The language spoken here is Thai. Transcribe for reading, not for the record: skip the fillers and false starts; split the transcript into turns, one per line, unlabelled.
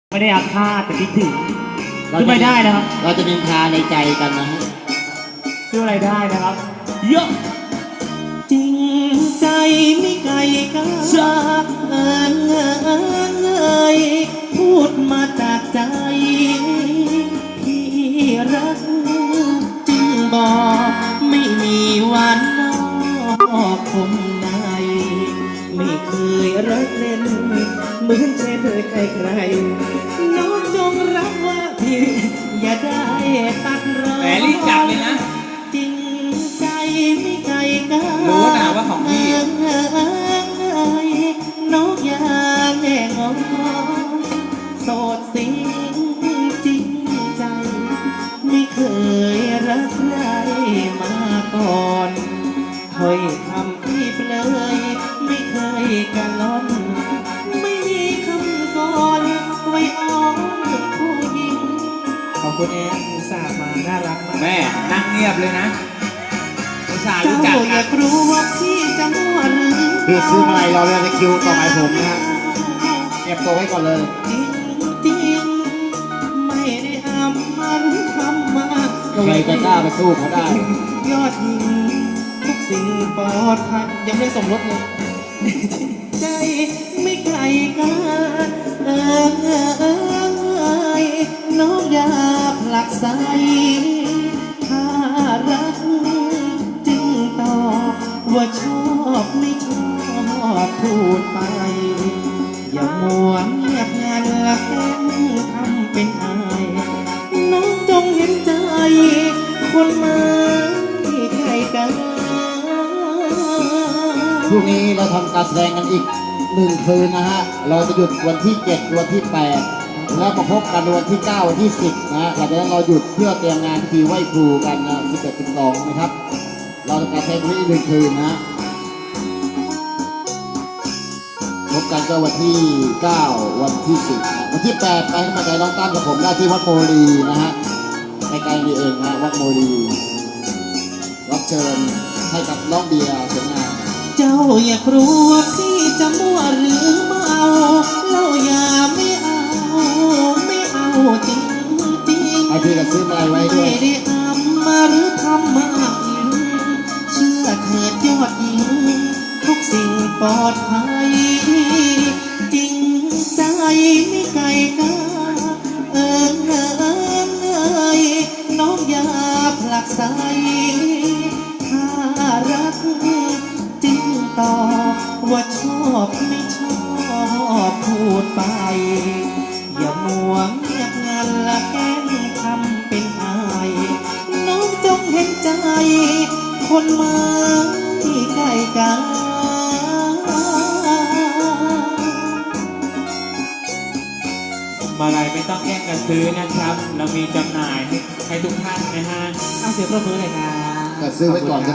ไม่ได้อาฆาตแต่คิดถึงขึ้นไม่ได้นะครับ
เราจะนินทาในใจกันนะฮะ
ชื่ออะไรได้นะครับเยอะ
จริงใจไม่ไกลกันพูดมาจากใจพี่รักจึงบอกไม่มีวันนอกคมในไม่เคยรักเล่นเหมือนเช่นใครๆน้องจงรับว่าพี่อย่าได้ตัดรอ
แหมรีบจับเลยนะ
จริงใจไม่ไกลกัน
รู้นะว่าของพี่
นกยางแง่งอโสดสิงจริงใจไม่เคยรักใครมาก่อนถ้อยคำที่เปลยไม่เคยกันล้อนไม่มีคำก่อนไว้อ้อนผู้หญิงขอบคุณแอนอุตส่าห์มาน่ารักมาก
แม่นั่งเงียบเลยนะอุตส่าห์รู้จัก
กันอยากรู้ว่าพี่จะมั่วหรือ
คือซื้อมาลัยเราเลยในคิวต่อไปผมนะฮะเก็บตัวไว้ก่อนเลย
จริงไม่ได้อำมาหรือทำมา
ใครจะกล้าไปสู้เขาได้
ยอดหญิงทุกสิ่งปลอดภัยยังไม่ส่งรถเลยใจไม่ไกลกันน้องอยากผลักใสถ้ารักจึงตอบว่าชอบไม่ชอบพูดไปอย่ามัวเงียบงันละแค่ทำเป็นอายน้องจงเห็นใจคนมาที่ใครกัน
พรุ่งนี้เราทำการแสดงกันอีก1 คืนนะฮะเราจะหยุดวันที่7วันที่8แล้วมาพบกันวันที่9วันที่10นะหลังจากนั้นเราหยุดเพื่อเตรียมงานพิธีไหว้ครูกันนะ11 12นะครับเราทำการแสดงที่1 คืนนะพบกันก็วันที่9วันที่10วันที่8ไปให้มาใจน้องตั้มกับผมได้ที่วัดโมลีนะฮะใกล้ๆนี่เองนะวัดโมลีรับเชิญให้กับน้องเบียร์เสียงงาน
เจ้าอยากรู้ว่าพี่จะมั่วหรือเมาเล่าอย่าไม่เอาจริง
ไอพี่ก็ซื้อมาลัยไว้ด้วย
ไม่ได้อำมาหรือทำมาเชื่อเถิดยอดหญิงทุกสิ่งปลอดภัยจริงใจไม่ไกลกันน้องอย่าผลักไสถ้ารักจึงตอบว่าชอบไม่ชอบพูดไปอย่ามัวเงียบงันละแกล้งทำเป็นอายน้องจงเห็นใจคนมาที่ใกล้กัน
มาลัยไม่ต้องแย่งกันซื้อนะครับเรามีจำหน่ายให้ทุกท่านนะฮะ
เสียงปรบมือเลยครับ
ก็ซื้อไว้ก่อน